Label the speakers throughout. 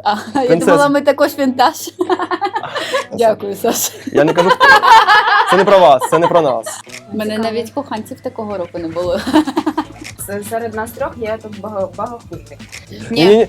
Speaker 1: Я думала, ми також вінтаж. Дякую, Саша.
Speaker 2: Я не кажу, це не про вас, це не про нас.
Speaker 1: У мене навіть коханців такого року не було.
Speaker 3: Серед нас трьох є тут багахульник.
Speaker 2: Ні.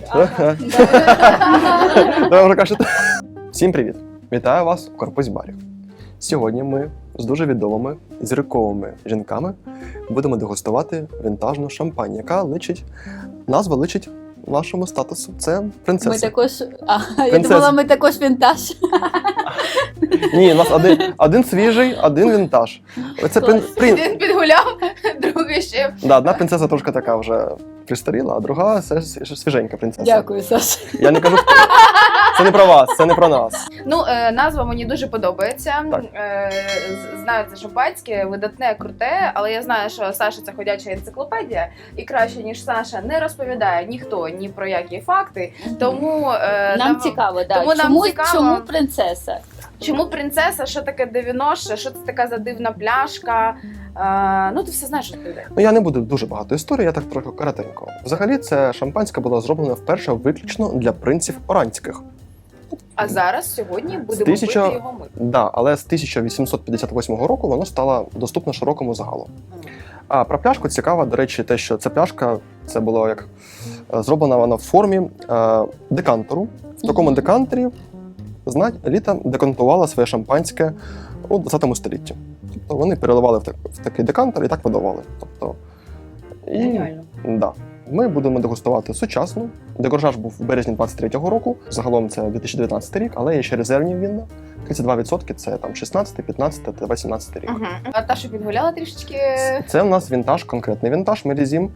Speaker 2: Ви вже кажете. Всім привіт! Вітаю вас у Корпус Барі. Сьогодні ми з дуже відомими зірковими жінками будемо дегустувати вінтажну шампань, яка назва личить нашому статусу. Це принцеса.
Speaker 1: Ми також. Я думала, ми також вінтаж.
Speaker 2: Ні, у нас один свіжий, один вінтаж. Оце
Speaker 3: Один підгуляв, другий ще.
Speaker 2: Да, одна принцеса трошки така вже пристаріла, а друга все свіженька принцеса.
Speaker 1: Дякую, Саша.
Speaker 2: Я не кажу, це не про вас, це не про нас.
Speaker 3: Ну, назва мені дуже подобається. Знаю, це шампанське, видатне, круте, але я знаю, що Саша це ходяча енциклопедія, і краще, ніж Саша, не розповідає ніхто ні про які факти. Тому
Speaker 1: нам цікаво, да. Чому принцеса?
Speaker 3: Чому принцеса? Що таке девіноше? Що це така за дивна пляшка? Ну, ти все знаєш, що ти.
Speaker 2: Ну, я не буду дуже багато історій, я так трохи коротенько. Взагалі, це шампанське було зроблено вперше виключно для принців оранських.
Speaker 3: А зараз, сьогодні, будемо пити його ми.
Speaker 2: Да, але з 1858 року воно стало доступно широкому загалу. А про пляшку цікаво, до речі, те, що ця пляшка, це було як зроблена вона в формі декантеру. В такому декантері еліта декантувала своє шампанське у 20 столітті. Тобто вони переливали в такий декантер і так видавали. Тобто,
Speaker 3: Геніально.
Speaker 2: Да. Ми будемо дегустувати сучасну. Дегоржаж був в березні 23-го року. Загалом це 2019 рік, але є ще резервні вінна. 32% це там 16, 15 та 18 рік.
Speaker 3: А та, що підгуляла трішечки?
Speaker 2: Це у нас вінтаж, конкретний вінтаж, Мерезім,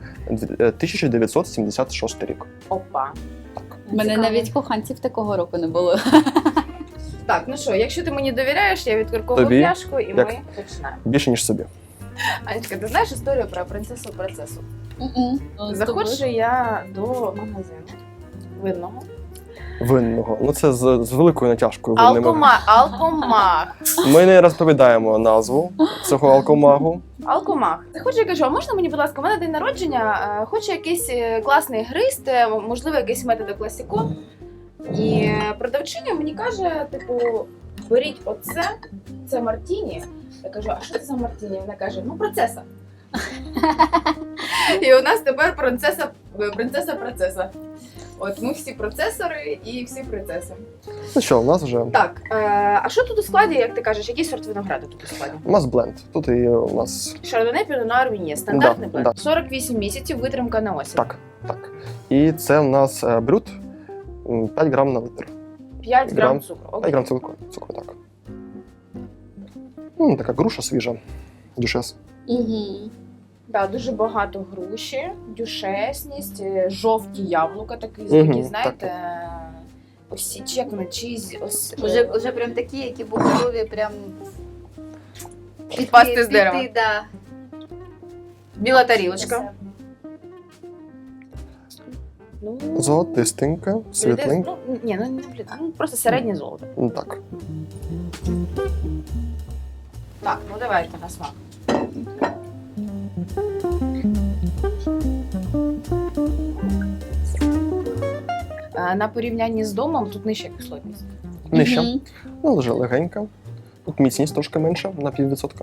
Speaker 2: 1976 рік.
Speaker 3: Опа.
Speaker 2: Так.
Speaker 1: У мене навіть коханців такого року не було.
Speaker 3: Так, ну що, якщо ти мені довіряєш, я відкорковую пляшку і ми починаємо.
Speaker 2: Більше, ніж собі.
Speaker 3: Анечка, ти знаєш історію про принцесу-процесу? Заходжу я до магазину винного.
Speaker 2: Ну це з великою натяжкою.
Speaker 3: Алкомах.
Speaker 2: Ми не розповідаємо назву цього алкомагу.
Speaker 3: Алкомах. Заходжу, я кажу, а можна мені, будь ласка, у мене день народження, хочу якийсь класний грист, можливо, якийсь метод класіко. І продавчиня мені каже, типу, беріть оце, це мартіні. Я кажу, а що це за мартіні? Вона каже, ну, процеса. І у нас тепер принцеса-процеса. От ми всі процесори і всі принцеси.
Speaker 2: Ну що, у нас вже...
Speaker 3: Так, а що тут у складі, як ти кажеш, який сорт винограду тут у складі?
Speaker 2: У нас бленд. Тут і у нас...
Speaker 3: Шардоне, Піно Нуар, Віньє. Стандартний бленд.
Speaker 2: Да.
Speaker 3: 48 місяців, витримка на осінь.
Speaker 2: Так. І це у нас брют 5 грам на литр.
Speaker 3: 5 грам цукру.
Speaker 2: 5 грам цукру, так. Така груша свіжа. Дюшес.
Speaker 3: Да, дуже багато груші, дюшесність, жовті яблука, такі, знаєте, ось як на чизі.
Speaker 1: Уже прям такі, які були готові прям
Speaker 3: Підпасти з дерева.
Speaker 1: Да.
Speaker 3: Біла тарілочка.
Speaker 2: Золотистенька, світленька.
Speaker 3: Ну, просто середнє золото.
Speaker 2: Так.
Speaker 3: Так, ну давайте на смак. На порівнянні з домом тут нижча кислотність.
Speaker 2: Нижча. Ну, дуже легенька. Тут міцність трошки менша, на 0,5%.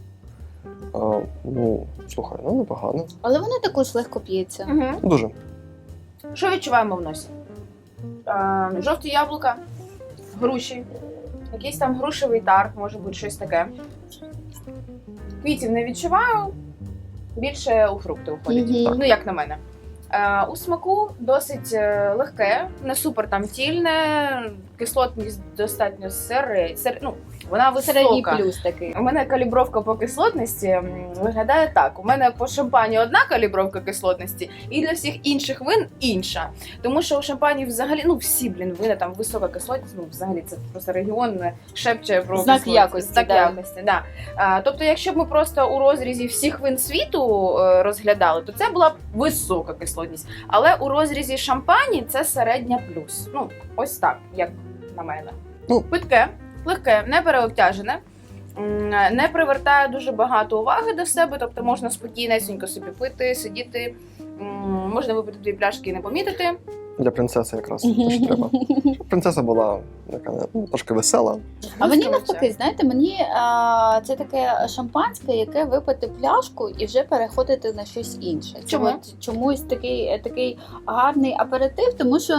Speaker 2: Ну, слухай, непогано.
Speaker 1: Але воно також легко п'ється.
Speaker 2: Дуже.
Speaker 3: Що відчуваємо в носі? Жовті яблука, груші, якийсь там грушевий тар, може бути щось таке. Квітів не відчуваю, більше у фрукти уходять. Ну, як на мене. У смаку досить легке, не супер там тільне, кислотність достатньо вона висока.
Speaker 1: Середній плюс такий.
Speaker 3: У мене калібровка по кислотності виглядає так. У мене по шампані одна калібровка кислотності, і для всіх інших вин інша. Тому що у шампані взагалі, всі, вина там висока кислотність, взагалі це просто регіон шепче про
Speaker 1: знак якості.
Speaker 3: Знак якості, да. Тобто, якщо б ми просто у розрізі всіх вин світу розглядали, то це була б висока кислотність. Але у розрізі шампані це середня плюс. Ось так, як на мене. Питке, легке, не переобтяжене, не привертає дуже багато уваги до себе, тобто можна спокійнесенько собі пити, сидіти, можна випити 2 пляшки і не помітити.
Speaker 2: Для принцеси якраз те, що треба. Принцеса була така, трошки весела.
Speaker 1: А мені навпаки, знаєте, мені це таке шампанське, яке випити пляшку і вже переходити на щось інше. Це
Speaker 3: Чому?
Speaker 1: от чомусь такий гарний аперитив, тому що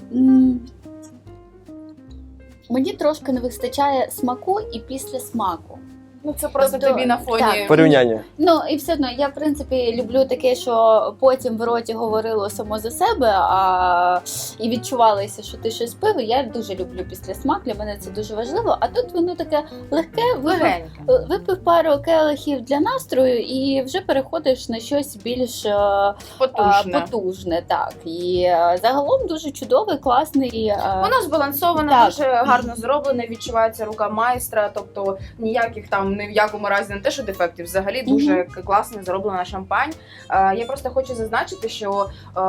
Speaker 1: мені трошки не вистачає смаку і після смаку.
Speaker 3: Ну це просто
Speaker 1: Тобто,
Speaker 3: тобі на фоні.
Speaker 1: так.
Speaker 2: Порівняння.
Speaker 1: Ну і все одно я в принципі люблю таке, що потім в роті говорило само за себе, і відчувалося, що ти щось пив. І я дуже люблю після смак. Для мене це дуже важливо. А тут воно таке легке,
Speaker 3: Легеньке.
Speaker 1: випив пару келихів для настрою і вже переходиш на щось більш потужне. Так і загалом дуже чудовий, класний.
Speaker 3: Воно збалансоване,
Speaker 1: Так.
Speaker 3: дуже гарно зроблене, відчувається рука майстра, тобто ніяких там ні в якому разі не те, що дефектів, взагалі дуже класно зроблена шампань. Я просто хочу зазначити, що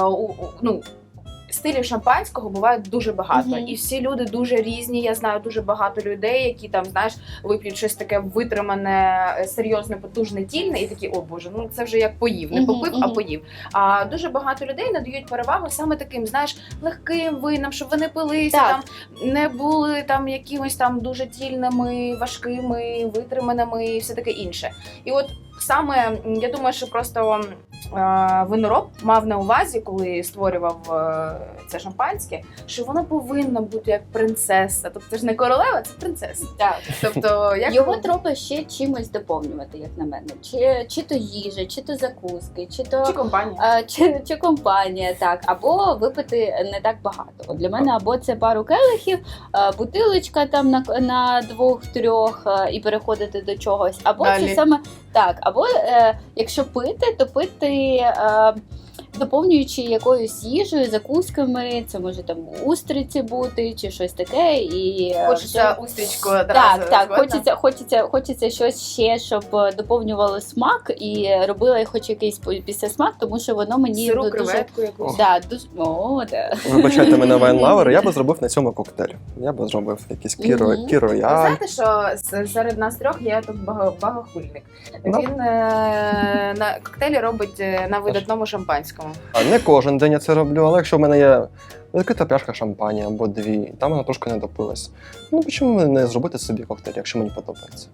Speaker 3: стилів шампанського буває дуже багато, і всі люди дуже різні. Я знаю дуже багато людей, які там, знаєш, вип'ють щось таке витримане, серйозне, потужне, тільне, і такі, о боже, ну це вже як поїв, не попив, а поїв. А дуже багато людей надають перевагу саме таким, знаєш, легким винам, щоб вони пилися, там не були там якимось там дуже тільними, важкими, витриманими і все таке інше. І от саме, я думаю, що просто винороб мав на увазі, коли створював це шампанське, що вона повинна бути як принцеса. Тобто це ж не королева, це принцеса.
Speaker 1: Так.
Speaker 3: Тобто, як
Speaker 1: Його треба ще чимось доповнювати, як на мене. Чи то їжа, чи то закуски, чи
Speaker 3: компанія.
Speaker 1: Чи компанія, так. Або випити не так багато. От для мене або це пару келихів, бутилочка там на 2-3 і переходити до чогось. Або
Speaker 3: Далі.
Speaker 1: це саме так. Або якщо пити, то пити доповнюючи якоюсь їжею, закусками, це може там устриці бути чи щось таке. І
Speaker 3: Хочеться устрічку
Speaker 1: так,
Speaker 3: одразу.
Speaker 1: хочеться щось ще, щоб доповнювало смак і робило хоч якийсь післясмак, тому що воно мені
Speaker 3: Сиру,
Speaker 1: дуже...
Speaker 3: креветку якусь.
Speaker 1: Да, дуже... О, да.
Speaker 2: Вибачайте мене вайн-лавер, я би зробив на цьому коктейль. Я би зробив якийсь
Speaker 3: Ви
Speaker 2: кірояль.
Speaker 3: знаєте, що серед нас трьох є тут багахульник.
Speaker 2: Да.
Speaker 3: Він на коктейлі робить на видатному шампанському.
Speaker 2: Не кожен день я це роблю, але якщо в мене є велика пляшка шампані або 2, там вона трошки не допилась. Ну чому не зробити собі коктейль, якщо мені подобається?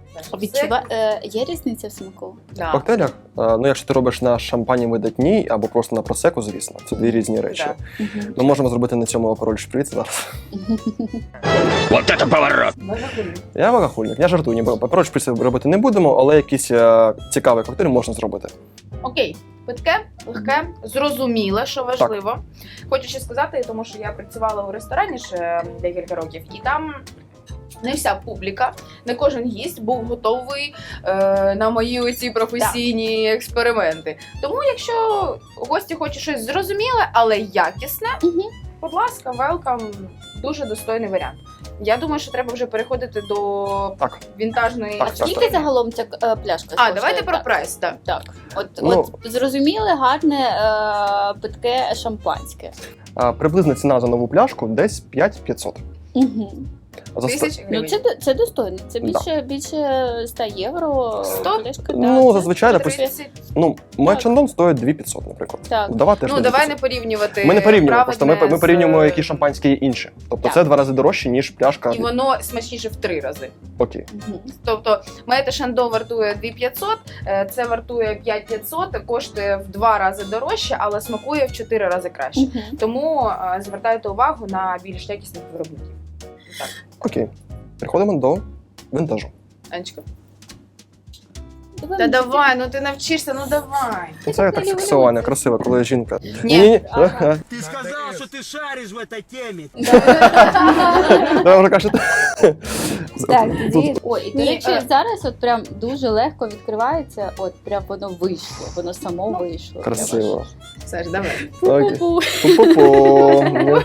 Speaker 1: Є різниця в смаку?
Speaker 3: Да.
Speaker 2: В коктейлях, ну якщо ти робиш на шампані видатній або просто на просеку, звісно, це дві різні речі.
Speaker 3: Да.
Speaker 2: Ми можемо зробити на цьому апероль шприц зараз.
Speaker 4: Вот это поворот!
Speaker 3: Багахульник.
Speaker 2: Я вагахульник, я жартую, ніби апероль шприц робити не будемо, але якийсь цікавий коктейль можна зробити.
Speaker 3: Окей, питке, легке, зрозуміле, що важливо. Хочу ще сказати, тому що я працювала у ресторані ще декілька років, і там не вся публіка, не кожен гість був готовий на мої оці професійні експерименти. Тому якщо гості хочуть щось зрозуміле, але якісне, будь ласка, велкам, дуже достойний варіант. Я думаю, що треба вже переходити до вінтажної
Speaker 2: Так.
Speaker 1: Скільки загалом ця пляшка?
Speaker 3: А, давайте про прайс, так.
Speaker 1: Так. От
Speaker 2: Ну,
Speaker 1: зрозуміле, гарне питке шампанське.
Speaker 2: Приблизна ціна за нову пляшку десь 5500.
Speaker 1: Угу.
Speaker 2: За
Speaker 3: 1000
Speaker 1: Ну,
Speaker 3: гривень.
Speaker 1: це достойно. Це більше 100 євро.
Speaker 3: 100?
Speaker 1: Пляшка,
Speaker 2: Ну,
Speaker 1: це
Speaker 2: зазвичай,
Speaker 3: 30.
Speaker 2: Ну, Мечандон стоїть 2500, наприклад.
Speaker 1: Так.
Speaker 2: Вдова теж
Speaker 3: Ну,
Speaker 2: на
Speaker 3: давай
Speaker 2: 2500.
Speaker 3: не порівнювати.
Speaker 2: Ми не порівнюємо, просто ми
Speaker 3: праведне
Speaker 2: порівнюємо,
Speaker 3: з-
Speaker 2: які шампанські є інші. Тобто
Speaker 3: Так.
Speaker 2: це 2 рази дорожче, ніж пляшка.
Speaker 3: І воно смачніше в 3 рази.
Speaker 2: Окей.
Speaker 1: Мгм.
Speaker 3: Тобто, Мете Шандо вартує 2500, це вартує 5500, коштує в 2 рази дорожче, але смакує в 4 рази краще.
Speaker 1: Мгм.
Speaker 3: Тому звертайте увагу на більш якісних виробників. Так,
Speaker 2: Окей. Переходимо до винтажу.
Speaker 3: Анечка.
Speaker 1: Давай
Speaker 3: Та
Speaker 1: мені
Speaker 3: давай, ну ти навчишся, ну давай.
Speaker 2: Ну, це так сексуально, красиво, коли жінка.
Speaker 3: Ні.
Speaker 1: Ага.
Speaker 4: Ты сказал, что ты шаришь в этой теме.
Speaker 2: Да, вже кажете.
Speaker 1: Так, тоді... Ой, і до
Speaker 3: Ні,
Speaker 1: речі, зараз от прям дуже легко відкривається, от прям воно вийшло, воно само вийшло.
Speaker 2: Красиво.
Speaker 3: Саш, давай.
Speaker 2: Окей.
Speaker 1: Пу-пу-пу.
Speaker 2: Пу-пу-пу.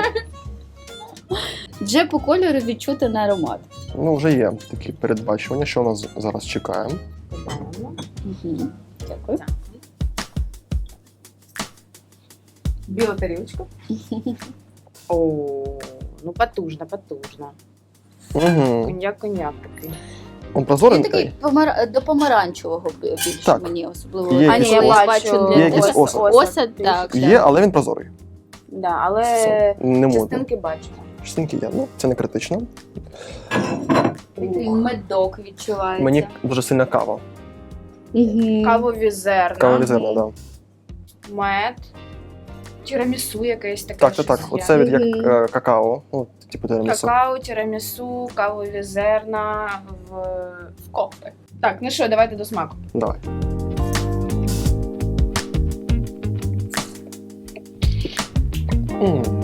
Speaker 1: Вже по кольору відчути на аромат.
Speaker 2: Ну, вже є такі передбачування, що у нас зараз чекаємо.
Speaker 1: Угу. Дякую.
Speaker 3: Біла тарілочка. О, ну потужно, потужно.
Speaker 2: Угу.
Speaker 3: Коньяк такий.
Speaker 2: Он
Speaker 1: Він
Speaker 2: прозорий.
Speaker 1: такий до помаранчевого більше
Speaker 2: Так.
Speaker 1: мені особливо.
Speaker 2: Є
Speaker 1: А, ні,
Speaker 2: якийсь
Speaker 1: я
Speaker 2: осад.
Speaker 1: бачу
Speaker 2: Є якийсь осад.
Speaker 1: Осад, так.
Speaker 2: Є, але він прозорий.
Speaker 3: Да, але
Speaker 2: Не модно.
Speaker 3: частинки бачимо.
Speaker 2: Частинки є, ну це не критично.
Speaker 1: Такий медок відчувається.
Speaker 2: Мені дуже сильна кава.
Speaker 1: Мгм.
Speaker 3: Кавові зерна,
Speaker 2: Кава зерна, да.
Speaker 3: мед, тірамісу якесь таке.
Speaker 2: Так.
Speaker 3: щось є.
Speaker 2: Оце від як
Speaker 1: Мгм.
Speaker 2: какао. Ну, типу тирамісу.
Speaker 3: Какао, тірамісу, кавові зерна в кофе. Так, ну що, давайте до смаку.
Speaker 2: Давай. М.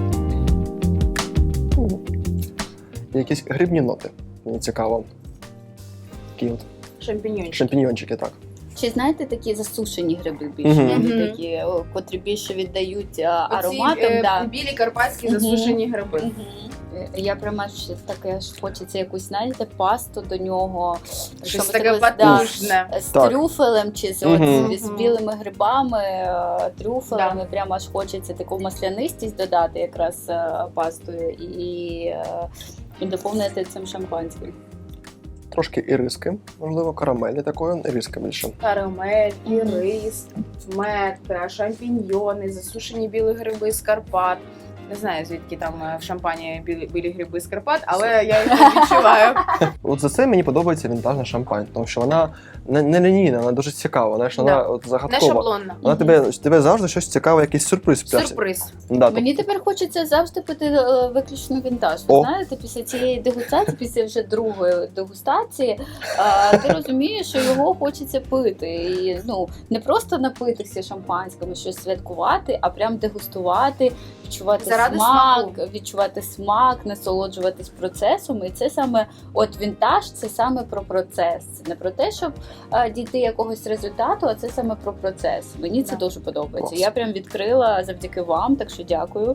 Speaker 2: Якісь грибні ноти. Мені цікаво. Такі от
Speaker 3: Шампіньончик.
Speaker 2: шампіньйончики, так.
Speaker 1: Чи знаєте такі засушені гриби більше?
Speaker 2: Мгм.
Speaker 1: Вони такі, котрі більше віддають
Speaker 3: Оці,
Speaker 1: ароматом. Да.
Speaker 3: білі карпатські
Speaker 1: Мгм.
Speaker 3: засушені гриби.
Speaker 1: Мгм. Я прямо ж таке ж хочеться якусь, знаєте, пасту до нього.
Speaker 3: Щось
Speaker 1: Що
Speaker 3: таке
Speaker 1: ми так, да,
Speaker 3: потужне.
Speaker 1: з
Speaker 2: Так.
Speaker 1: трюфелем чи з,
Speaker 2: Мгм.
Speaker 1: з білими грибами, трюфелем, і прямо аж хочеться таку маслянистість додати якраз пастою і доповнити цим шампанським.
Speaker 2: Трошки іриски, можливо, карамелі такої, іриска більше.
Speaker 3: Карамель,
Speaker 1: Мгм.
Speaker 3: ірис, мед, шампіньйони, засушені білі гриби з Карпат. Не знаю, звідки там в шампані білі гриби з Карпат, але я їх не відчуваю.
Speaker 2: От за це мені подобається вінтажна шампань, тому що вона не лінійна, вона дуже цікава, знаєш, вона
Speaker 3: Да.
Speaker 2: от
Speaker 3: Не
Speaker 2: загадкова.
Speaker 3: шаблонна.
Speaker 2: Вона тебе завжди щось цікаве, якийсь сюрприз пляшці.
Speaker 3: Сюрприз.
Speaker 2: Да,
Speaker 1: Мені тепер хочеться завжди пити виключно вінтаж. Ви
Speaker 2: О.
Speaker 1: знаєте, після цієї дегустації, після вже другої дегустації, ти розумієш, що його хочеться пити. І не просто напитися шампанським, щось святкувати, а прям дегустувати, відчувати
Speaker 3: Заради
Speaker 1: смак,
Speaker 3: смаку.
Speaker 1: відчувати смак, насолоджуватись процесом. І це саме вінтаж, це саме про процес. Це не про те, щоб дійти якогось результату, а це саме про процес. Мені це
Speaker 3: Да.
Speaker 1: дуже подобається.
Speaker 2: Клас.
Speaker 1: Я прям відкрила завдяки вам, так що дякую.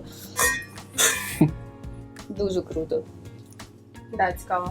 Speaker 1: Дуже круто.
Speaker 3: Да, цікаво.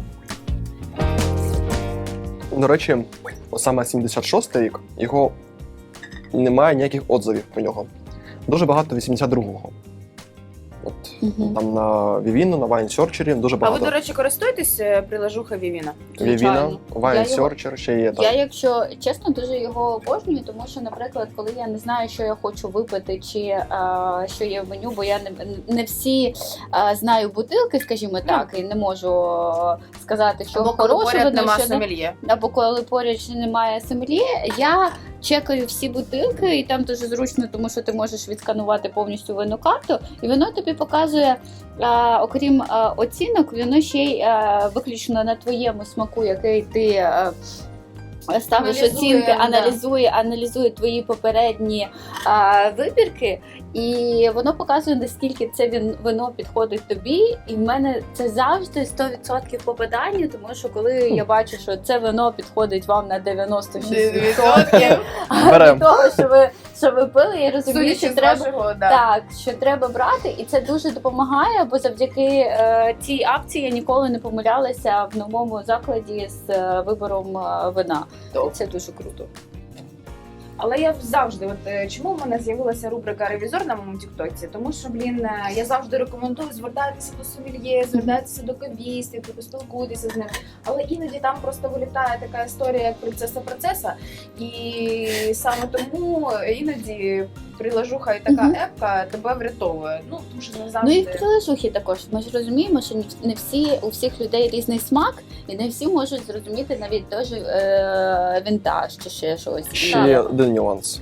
Speaker 2: До речі, саме 76-й рік, його немає ніяких отзивів про нього. Дуже багато 82-го. От там на Vivino, на Wine Searcher дуже
Speaker 3: А ви,
Speaker 2: багато.
Speaker 3: до речі, користуєтесь прилажуха Vivino?
Speaker 2: Vivino,
Speaker 1: звичайно.
Speaker 2: Wine
Speaker 1: Я його-
Speaker 2: Searcher ще є там.
Speaker 1: Я, якщо чесно, дуже його обожнюю, тому що, наприклад, коли я не знаю, що я хочу випити, чи що є в меню, бо я не всі знаю бутилки, скажімо так, і не можу сказати, що
Speaker 3: Або коли
Speaker 1: хороше
Speaker 3: поряд
Speaker 1: вино,
Speaker 3: нема
Speaker 1: що не.
Speaker 3: сомельє.
Speaker 1: Або коли поряд немає сомельє, я чекаю всі бутилки, і там дуже зручно, тому що ти можеш відсканувати повністю винну карту, і воно тобі показує, окрім оцінок, воно ще й виключно на твоєму смаку, який ти ставиш
Speaker 3: Аналізує,
Speaker 1: оцінки,
Speaker 3: да.
Speaker 1: аналізує твої попередні вибірки, і воно показує, наскільки це вино підходить тобі. І в мене це завжди 100% попадання, тому що коли я бачу, що це вино підходить вам на 96%
Speaker 2: Берем.
Speaker 1: від того, що ви пили, я розумію,
Speaker 3: Судячи
Speaker 1: що
Speaker 3: з
Speaker 1: треба.
Speaker 3: вашого, да.
Speaker 1: Так, що треба брати, і це дуже допомагає, бо завдяки цій акції я ніколи не помилялася в новому закладі з вибором вина. Це дуже круто.
Speaker 3: Але я завжди, чому в мене з'явилася рубрика «Ревізор» на моєму тіктоці? Тому що, я завжди рекомендую звертатися до сомельє, звертатися до кавістів, спілкуйтеся з ним. Але іноді там просто вилітає така історія, як принцеса процеса. І саме тому іноді прилажуха і така
Speaker 1: Мгм.
Speaker 3: епка тебе врятовує. Ну, тому що не
Speaker 1: Ну
Speaker 3: завжди.
Speaker 1: і в прилежухі також. Ми ж розуміємо, що не всі у всіх людей різний смак, і не всі можуть зрозуміти навіть теж вінтаж чи ще щось.
Speaker 2: Ще один нюанс.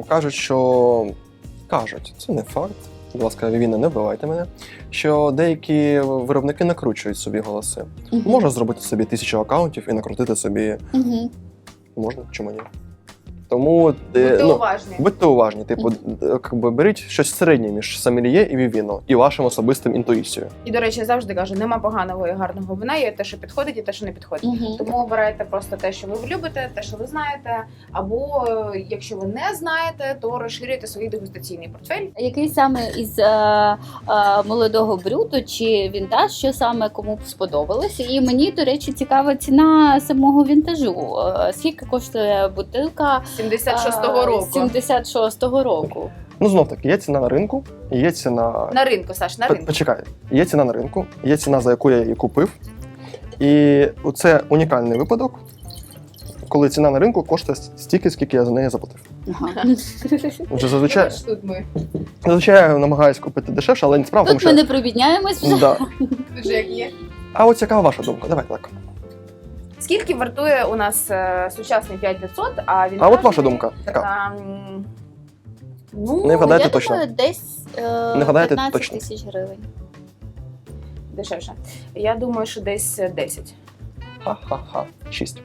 Speaker 2: Кажуть, це не факт. Будь ласка, Vivino, не вбивайте мене. Що деякі виробники накручують собі голоси.
Speaker 1: Мгм.
Speaker 2: Можна зробити собі 1000 акаунтів і накрутити собі.
Speaker 1: Мгм.
Speaker 2: Можна, чому ні? Тому
Speaker 3: Будьте уважні.
Speaker 2: будьте уважні. Типу, беріть щось середнє між сомельє і Vivino, і вашим особистим інтуїцією.
Speaker 3: І, до речі, я завжди кажу, нема поганого і гарного вина, є те, що підходить, і те, що не підходить.
Speaker 1: Мгм.
Speaker 3: Тому обирайте просто те, що ви любите, те, що ви знаєте. Або якщо ви не знаєте, то розширюйте свій дегустаційний портфель.
Speaker 1: Який саме із молодого брюту чи вінтаж, що саме кому б сподобалося? І мені, до речі, цікава ціна самого вінтажу. Скільки коштує бутилка
Speaker 3: 76-го року.
Speaker 1: 76-го року.
Speaker 2: Ну, знов таки, є ціна на ринку, є ціна.
Speaker 3: На ринку, Саш, на ринку.
Speaker 2: Почекай, є ціна на ринку, є ціна, за яку я її купив. І це унікальний випадок, коли ціна на ринку коштує стільки, скільки я за неї заплатив. Вже зазвичай,
Speaker 3: Ось тут ми
Speaker 2: я намагаюся купити дешевше, але не справа, тому
Speaker 1: Тут ми
Speaker 2: що...
Speaker 1: не прибідняємось вже.
Speaker 2: Да.
Speaker 3: вже як є.
Speaker 2: А от яка ваша думка? Давайте так.
Speaker 3: Скільки вартує у нас сучасний 5500, а він
Speaker 2: А от ваша думка? Яка?
Speaker 3: Ну,
Speaker 2: Не вгадайте
Speaker 1: Я
Speaker 2: точно.
Speaker 1: думаю, десь
Speaker 2: Не вгадаєте
Speaker 1: 15
Speaker 2: точно.
Speaker 1: тисяч гривень.
Speaker 3: дешевше. Я думаю, що десь 10.
Speaker 2: Ха-ха-ха. 6.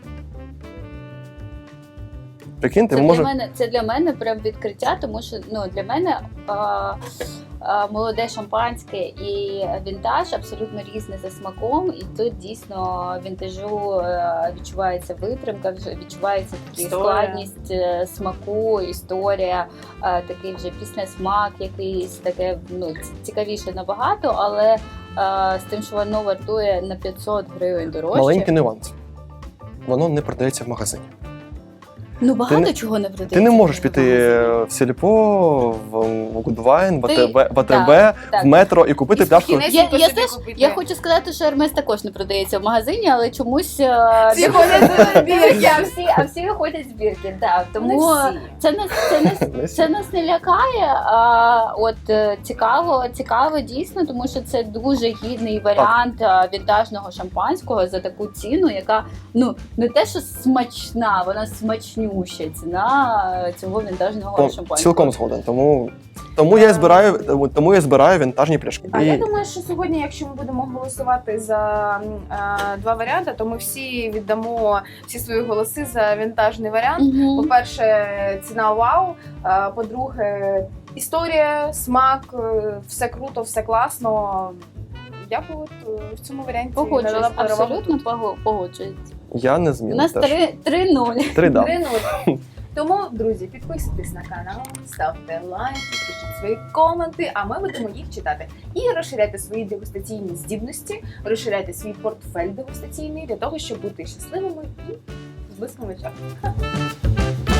Speaker 2: Прикиньте,
Speaker 1: Це,
Speaker 2: може...
Speaker 1: це для мене прям відкриття, тому що для мене молоде шампанське і вінтаж абсолютно різні за смаком, і тут дійсно вінтажу відчувається витримка, відчувається такий
Speaker 3: Історія.
Speaker 1: складність смаку, історія, такий вже післясмак якийсь, таке цікавіше набагато, але з тим, що воно вартує на 500 гривень дорожче.
Speaker 2: Маленький нюанс. Воно не продається в магазині.
Speaker 1: Багато
Speaker 2: не-
Speaker 1: чого не продається.
Speaker 2: Ти не можеш
Speaker 1: в
Speaker 2: піти
Speaker 1: магазині.
Speaker 2: в Сільпо, в Goodwine, в
Speaker 1: Ти-
Speaker 2: АТБ,
Speaker 1: так.
Speaker 2: в метро і купити
Speaker 3: І
Speaker 2: пляшку.
Speaker 3: спокійно.
Speaker 1: Я,
Speaker 3: Собі
Speaker 1: теж,
Speaker 3: купити.
Speaker 1: я хочу сказати, що Ермес також не продається в магазині, але чомусь
Speaker 3: Всі ходять з бірки.
Speaker 1: всі ходять з бірки. Так. Тому
Speaker 3: Не всі.
Speaker 1: це нас не лякає. Цікаво дійсно, тому що це дуже гідний варіант вінтажного шампанського за таку ціну, яка не те, що смачна, вона смачнюща ціна цього вінтажного шампанського.
Speaker 2: Цілком згоден. Тому я збираю вінтажні пляшки.
Speaker 3: А я думаю, що сьогодні, якщо ми будемо голосувати за два варіанти, то ми всі віддамо всі свої голоси за вінтажний варіант.
Speaker 1: Мгм.
Speaker 3: По-перше, ціна вау. По-друге, історія, смак, все круто, все класно. Я б в цьому варіанті надала
Speaker 1: Погоджуюсь,
Speaker 3: перевагу.
Speaker 1: абсолютно погоджуюсь.
Speaker 2: Я не
Speaker 1: У
Speaker 2: змінив
Speaker 1: нас
Speaker 2: теж.
Speaker 1: 3-0.
Speaker 2: 3 да.
Speaker 3: 3-0. Тому, друзі, підписуйтесь на канал, ставте лайки, пишіть свої коменти, а ми будемо їх читати. І розширяйте свої дегустаційні здібності, розширяйте свій портфель дегустаційний для того, щоб бути щасливими і з блиском в очах.